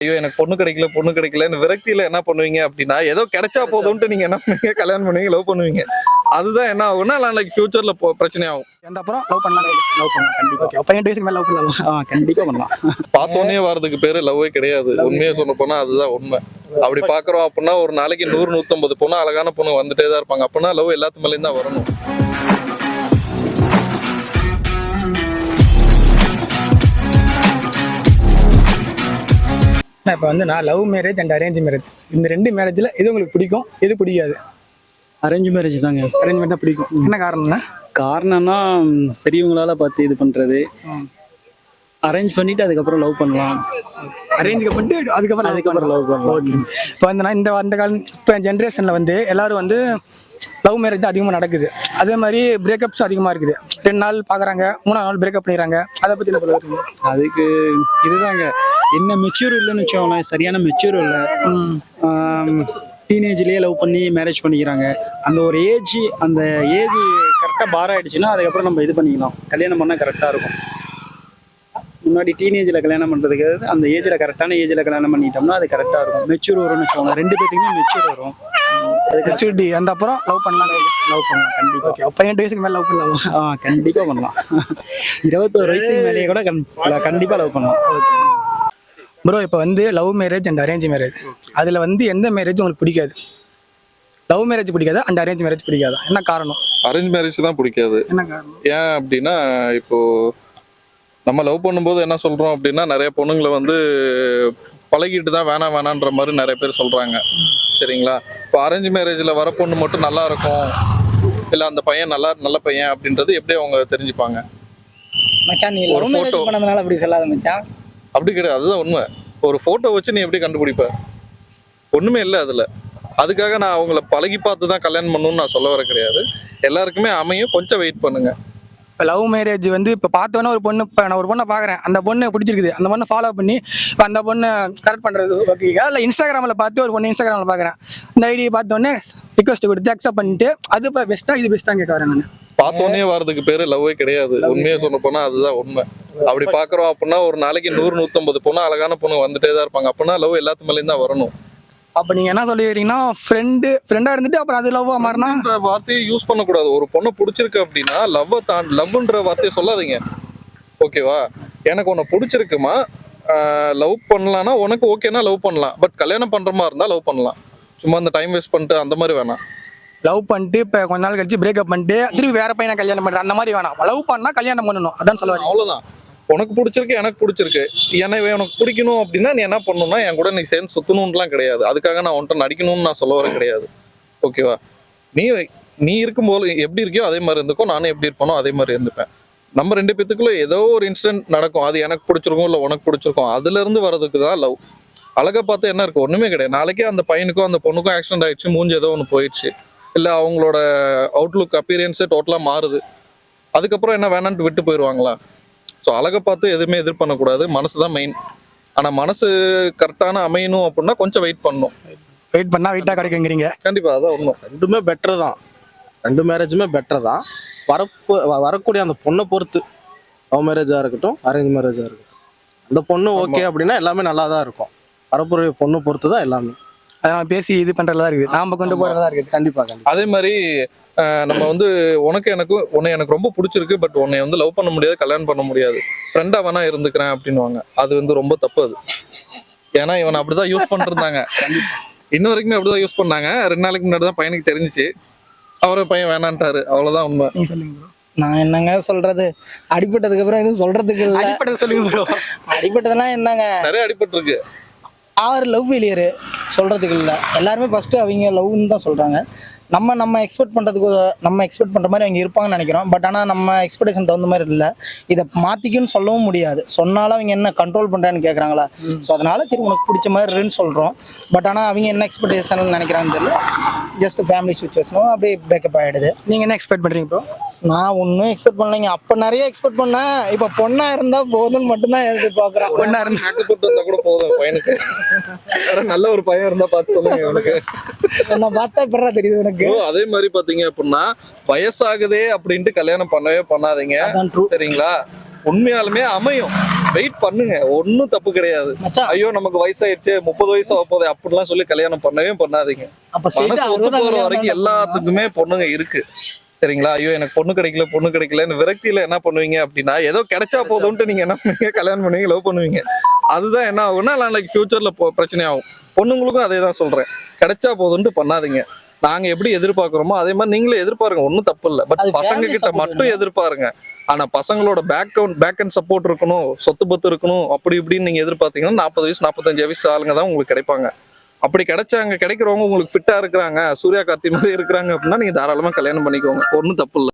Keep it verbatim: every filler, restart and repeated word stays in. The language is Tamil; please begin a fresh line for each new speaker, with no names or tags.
ஐயோ எனக்கு பொண்ணு கிடைக்கல பொண்ணு கிடைக்கலன்னு விரக்தியில என்ன பண்ணுவீங்க அப்படின்னா ஏதோ கிடைச்சா போதும்ட்டு நீங்க என்ன பண்ணுவீங்க, கல்யாணம் பண்ணுவீங்க, லவ் பண்ணுவீங்க. அதுதான் என்ன ஆகும்னா நாளைக்கு ஃபியூச்சர்ல பிரச்சனை ஆகும்.
எந்த அப்புறம் லவ் பண்ணலாம் லவ் பண்ணலாம் கண்டிப்பா. ஓகே பையன் வயசுக்கு மேல லவ் பண்ணலாம். ஆ கண்டிப்பா பண்ணலாம்.
பார்த்தோன்னே வரதுக்கு பேரு லவ்வே கிடையாது. உண்மையை சொல்ல போனா அதுதான் உண்மை. அப்படி பாக்குறோம் அப்படின்னா ஒரு நாளைக்கு நூறு நூத்தம்பது பொண்ணு அழகான பொண்ணு வந்துட்டே தான் இருப்பாங்க. அப்படின்னா லவ் எல்லாத்து மேலேயும் தான் வரணும்.
இப்போ வந்து நான் love marriage and arrange marriage இந்த ரெண்டு மேரேஜில் எது உங்களுக்கு பிடிக்கும், எது பிடிக்காது?
அரேஞ்ச் மேரேஜ் தாங்க.
அரேஞ்ச் மேரேஜ் தான் பிடிக்கும். என்ன காரணம்னா?
காரணம்னா பெரியவங்களால பார்த்து இது பண்ணுறது, அரேஞ்ச் பண்ணிட்டு அதுக்கப்புறம் லவ் பண்ணலாம்.
அரேஞ்ச் பண்ணிட்டு அதுக்கப்புறம்
அதுக்கப்புறம் லவ் பண்ணலாம்.
இப்போ வந்து நான் இந்த அந்த கால இப்போ ஜென்ரேஷனில் வந்து எல்லாரும் வந்து லவ் மேரேஜ் தான் அதிகமாக நடக்குது. அதே மாதிரி பிரேக்கப்ஸ் அதிகமாக இருக்குது. ரெண்டு நாள் பார்க்குறாங்க, மூணாவது நாள் பிரேக்கப் பண்ணிடுறாங்க. அதை பற்றி என்ன சொல்லுவாங்க?
அதுக்கு இதுதாங்க, என்ன மெச்சூர் இல்லைன்னு வச்சோங்களேன், சரியான மெச்சூர் இல்லை. டீனேஜ்லேயே லவ் பண்ணி மேரேஜ் பண்ணிக்கிறாங்க. அந்த ஒரு ஏஜ் அந்த ஏஜ் கரெக்டாக பார் ஆகிடுச்சுன்னா அதுக்கப்புறம் நம்ம இது பண்ணிக்கலாம், கல்யாணம் பண்ணால் கரெக்டாக இருக்கும். முன்னாடி டீனேஜில் கல்யாணம் பண்ணுறதுக்கு அந்த ஏஜில் கரெக்டான ஏஜில் கல்யாணம் பண்ணிட்டோம்னா அது கரெக்டாக இருக்கும். மெச்சூர் வரும்னு வச்சுக்கோங்க, ரெண்டு பேத்துக்குமே மெச்சூர் வரும்.
மெச்சூரிட்டி அந்த அப்புறம் லவ் பண்ணலாம்
லவ் பண்ணலாம் கண்டிப்பாக.
ஓகே பையன் வயசுக்கு மேலே லவ் பண்ணலாம்.
ஆ கண்டிப்பாக பண்ணலாம். இருபத்தோரு வயசுக்கு மேலேயே கூட கண் கண்டிப்பாக லவ் பண்ணலாம்.
ப்ரோ இப்போ வந்து love marriage and arrange marriage அதில் வந்து எந்த மேரேஜ் உங்களுக்கு பிடிக்காது? லவ் மேரேஜ் பிடிக்காது அண்ட் அரேஞ்ச் மேரேஜ் பிடிக்காதா? என்ன காரணம்?
அரேஞ்ச் மேரேஜ் தான் பிடிக்காது.
என்ன காரணம்?
ஏன் அப்படின்னா இப்போ நம்ம லவ் பண்ணும்போது என்ன சொல்றோம் அப்படின்னா நிறைய பொண்ணுங்களை வந்து பழகிட்டு தான் வேணாம் வேணான்ற மாதிரி நிறைய பேர் சொல்றாங்க. சரிங்களா? இப்போ அரேஞ்ச் மேரேஜில் வர பொண்ணு மட்டும் நல்லா இருக்கும், இல்லை அந்த பையன் நல்லா நல்ல பையன் அப்படின்றது எப்படி அவங்க தெரிஞ்சுப்பாங்க?
மச்சான் நீ லவ் மேரேஜ் பண்ணதுனால அப்படி சொல்லாத மச்சான்.
அப்படி கிடையாது, அதுதான் உண்மை. ஒரு ஃபோட்டோ வச்சு நீ எப்படி கண்டுபிடிப்ப? ஒன்றுமே இல்லை அதில். அதுக்காக நான் அவங்கள பழகி பார்த்து தான் கல்யாணம் பண்ணணும்னு நான் சொல்ல வர கிடையாது. எல்லாருக்குமே அமையும், கொஞ்சம் வெயிட் பண்ணுங்க.
இப்போ லவ் மேரேஜ் வந்து இப்போ பார்த்தோன்னா ஒரு பொண்ணு, இப்போ நான் ஒரு பொண்ணை பார்க்குறேன், அந்த பொண்ணு பிடிச்சிருக்குது, அந்த பொண்ணை ஃபாலோ பண்ணி இப்போ அந்த பொண்ணை கரெக்ட் பண்ணுறது ஓகேக்கா? இல்லை இன்ஸ்டாகிராமில் பார்த்து ஒரு பொண்ணு இன்ஸ்டாகிராமில் பார்க்குறேன், இந்த ஐடியை பார்த்தோன்னே ரிக்வஸ்ட் கொடுத்து அக்செப்ட் பண்ணிட்டு அது இப்போ பெஸ்ட்டாக இது பெஸ்ட்டாக கேட்க வரேன் நான்.
பார்த்தோன்னே வரதுக்கு பேரு லவ்வே கிடையாது. உண்மையை சொல்ல போனா அதுதான் உண்மை. அப்படி பாக்குறோம் அப்படின்னா ஒரு நாளைக்கு நூறு நூத்தம்பது பொண்ணு அழகான பொண்ணு வந்துட்டே தான் இருப்பாங்க. அப்படின்னா லவ் எல்லாத்து மேலேயும் தான் வரணும்.
அப்போ நீங்கள் என்ன சொல்லிடுறீங்கன்னா ஃப்ரெண்டு ஃப்ரெண்டாக இருந்துட்டு அப்புறம் அது லவ்வாக மாறினா
வார்த்தையை யூஸ் பண்ணக்கூடாது. ஒரு பொண்ணை பிடிச்சிருக்கு அப்படின்னா லவ்வை தான் லவ்ன்ற வார்த்தையை சொல்லாதீங்க. ஓகேவா? எனக்கு உன்னை பிடிச்சிருக்குமா, லவ் பண்ணலான்னா உனக்கு ஓகேனா லவ் பண்ணலாம். பட் கல்யாணம் பண்ற மாதிரி இருந்தால் லவ் பண்ணலாம். சும்மா அந்த டைம் வேஸ்ட் பண்ணிட்டு அந்த மாதிரி வேணாம்.
லவ் பண்ணிட்டு இப்போ கொஞ்ச நாள் கழிச்சு பிரேக்கப் பண்ணிட்டு திருப்பி வேற பையனை கல்யாணம் பண்ணுறேன் அந்த மாதிரி வேணாம். லவ் பண்ணால் கல்யாணம் பண்ணணும், அதான் சொல்லுவாங்க.
அவ்வளோதான். உனக்கு பிடிச்சிருக்கு, எனக்கு பிடிச்சிருக்கு, எனக்கு உனக்கு பிடிக்கணும் அப்படின்னா நீ என்ன பண்ணணும்னா என் கூட நீ சேர்ந்து சுத்தணும்லாம் கிடையாது. அதுக்காக நான் உன்ட்ட நடிக்கணும்னு நான் சொல்ல வர கிடையாது. ஓகேவா? நீ நீ இருக்கும்போது எப்படி இருக்கியோ அதே மாதிரி இருந்துக்கோ, நானும் எப்படி இருப்பேனோ அதே மாதிரி இருந்துப்பேன். நம்ம ரெண்டு பேத்துக்குள்ள ஏதோ ஒரு இன்சிடென்ட் நடக்கும், அது எனக்கு பிடிச்சிருக்கும் இல்லை உனக்கு பிடிச்சிருக்கும், அதுல இருந்து வர்றதுக்கு தான் லவ். அழகை பார்த்து என்ன இருக்கு? ஒண்ணுமே கிடையாது. நாளைக்கே அந்த பையனுக்கும் அந்த பொண்ணுக்கும் ஆக்சிடென்ட் ஆயிடுச்சு, மூஞ்சி ஏதோ ஒன்று போயிடுச்சு, இல்லை அவங்களோட அவுட்லுக் அப்பீரியன்ஸே டோட்டலாக மாறுது, அதுக்கப்புறம் என்ன வேணான்ட்டு விட்டு போயிடுவாங்களா? ஸோ அழகை பார்த்து எதுவுமே எதிர் பண்ணக்கூடாது. மனசு தான் மெயின். ஆனால் மனசு கரெக்டான அமையணும் அப்படின்னா கொஞ்சம் வெயிட் பண்ணணும்.
வெயிட் பண்ணால் வெயிட்டாக கிடைக்குங்கிறீங்க?
கண்டிப்பாக அதான் ஒன்றும்.
ரெண்டுமே பெட்டர் தான், ரெண்டு மேரேஜுமே பெட்டர் தான். வரப்போ வரக்கூடிய அந்த பொண்ணை பொறுத்து, லவ் மேரேஜாக இருக்கட்டும் அரேஞ்ச் மேரேஜாக இருக்கட்டும், அந்த பொண்ணு ஓகே அப்படின்னா எல்லாமே நல்லா தான் இருக்கும். வரப்போகிற பொண்ணு பொறுத்து தான் எல்லாமே.
அதை நம்ம பேசி இது பண்ணுறதா இருக்குது, நாம் கொண்டு போகிறதா இருக்குது.
கண்டிப்பாக கண்டிப்பாக.
அதே மாதிரி நம்ம வந்து உனக்கு எனக்கு உன்னை எனக்கு ரொம்ப பிடிச்சிருக்கு, பட் உன்னை வந்து லவ் பண்ண முடியாது, கல்யாணம் பண்ண முடியாது, ஃப்ரெண்டாக வேணா இருந்துக்கிறேன் அப்படின்னுவாங்க. அது வந்து ரொம்ப தப்பு அது. ஏன்னா இவன் அப்படிதான் யூஸ் பண்ணிருந்தாங்க, இன்ன வரைக்குமே அப்படிதான் யூஸ் பண்ணாங்க. ரெண்டு நாளைக்கு முன்னாடி தான் பையனுக்கு தெரிஞ்சிச்சு, அவரை பையன் வேணான்ட்டாரு. அவ்வளோதான் உண்மை.
நான் என்னங்க சொல்றது, அடிப்பட்டதுக்கு அப்புறம் எதுவும் சொல்றதுக்கு இல்லை.
அடிப்பட்டது சொல்லுங்க ப்ரோ.
அடிப்பட்டதெல்லாம் என்னங்க,
நிறைய அடிபட்டு இருக்கு.
ஆறு லவ் ஃபெயிலியரு சொல்றதுக்கு இல்லை. எல்லாருமே ஃபர்ஸ்ட் அவங்க லவ்னு தான் சொல்றாங்க. நம்ம நம்ம எக்ஸ்பெக்ட் பண்ணுறதுக்கு நம்ம எக்ஸ்பெக்ட் பண்ணுற மாதிரி அவங்க இருப்பாங்கன்னு நினைக்கிறோம். பட் ஆனால் நம்ம எக்ஸ்பெக்டேஷன் தகுந்த மாதிரி இல்லை. இதை மாற்றிக்குன்னு சொல்லவும் முடியாது. சொன்னாலும் அவங்க என்ன கண்ட்ரோல் பண்ணுறான்னு கேட்குறாங்களா? ஸோ அதனால சரி உனக்கு பிடிச்ச மாதிரின்னு சொல்கிறோம். பட் ஆனால் அவங்க என்ன எக்ஸ்பெக்டேஷன் நினைக்கிறாங்கன்னு தெரியல. ஜஸ்ட் ஃபேமிலி சுச்சுவேஷனும் அப்படியே பிரேக்கப் ஆகிடுது.
நீங்கள் என்ன எக்ஸ்பெக்ட் பண்ணுறீங்க ப்ரோ?
நான் ஒன்றும் எக்ஸ்பெக்ட் பண்ணலைங்க. அப்போ நிறைய எக்ஸ்பெக்ட் பண்ணேன். இப்போ பொண்ணாக இருந்தால் போதும்னு மட்டும்தான் எதிர்பார்க்குறேன்.
பொண்ணாக இருந்தால்
மேக்கப் இருந்தால் கூட போதும் பையனுக்கு. நல்ல ஒரு பையன் இருந்தால் பார்த்து சொல்லுங்க உனக்கு.
நான் பார்த்தா இப்படா தெரியுது உனக்கு.
அதே மாதிரி பாத்தீங்க அப்படின்னா வயசாகுதே அப்படின்ட்டு கல்யாணம் பண்ணவே பண்ணாதீங்க. சரிங்களா? உண்மையாலுமே அமையும். வெயிட் பண்ணுங்க, ஒன்றும் தப்பு கிடையாது.
மச்சான்
ஐயோ நமக்கு வயசாயிருச்சு, முப்பது வயசு ஆக போகுது அப்படிலாம் சொல்லி கல்யாணம் பண்ணவே பண்ணாதீங்க.
அப்ப straight
மனசு
ஆ
ஒத்து
அறுபதாம்
போற
கல்யாணம்
வரைக்கும்
தான்
எல்லாத்துக்குமே பொண்ணுங்க இருக்கு. சரிங்களா? ஐயோ எனக்கு பொண்ணு கிடைக்கல பொண்ணு கிடைக்கலன்னு விரக்தியில என்ன பண்ணுவீங்க அப்படின்னா, ஏதோ கிடைச்சா போதும்ட்டு நீங்க என்ன பண்ணுவீங்க, கல்யாணம் பண்ணுவீங்க, லவ் பண்ணுவீங்க. அதுதான் என்ன ஆகும்னா நாளைக்கு ஃபியூச்சர்ல பிரச்சனை ஆகும். பொண்ணுங்களுக்கும் அதே தான் சொல்றேன், கிடைச்சா போதும்ட்டு பண்ணாதீங்க. நாங்க எப்படி எதிர்பார்க்கிறோமோ அதே மாதிரி நீங்களும் எதிர்பாருங்க, ஒன்றும் தப்பு இல்லை. பட்
அது
பசங்க
family
கிட்ட
support
மட்டும் எதிர்பாருங்க. ஆனா பசங்களோட பேக் பேக் அண்ட் சப்போர்ட் இருக்கணும், சொத்து பத்து இருக்கணும், அப்படி இப்படின்னு நீங்க எதிர்பார்த்தீங்கன்னா நாற்பது வயசு நாற்பத்தஞ்சு வயசு ஆளுங்க தான் உங்களுக்கு கிடைப்பாங்க. அப்படி கிடைச்சாங்க, கிடைக்கிறவங்க உங்களுக்கு ஃபிட்டா இருக்கிறாங்க, சூர்யா கார்த்தி மாதிரி இருக்கிறாங்க அப்படின்னா நீங்க தாராளமா கல்யாணம் பண்ணிக்கோங்க, ஒன்றும் தப்பு இல்லை.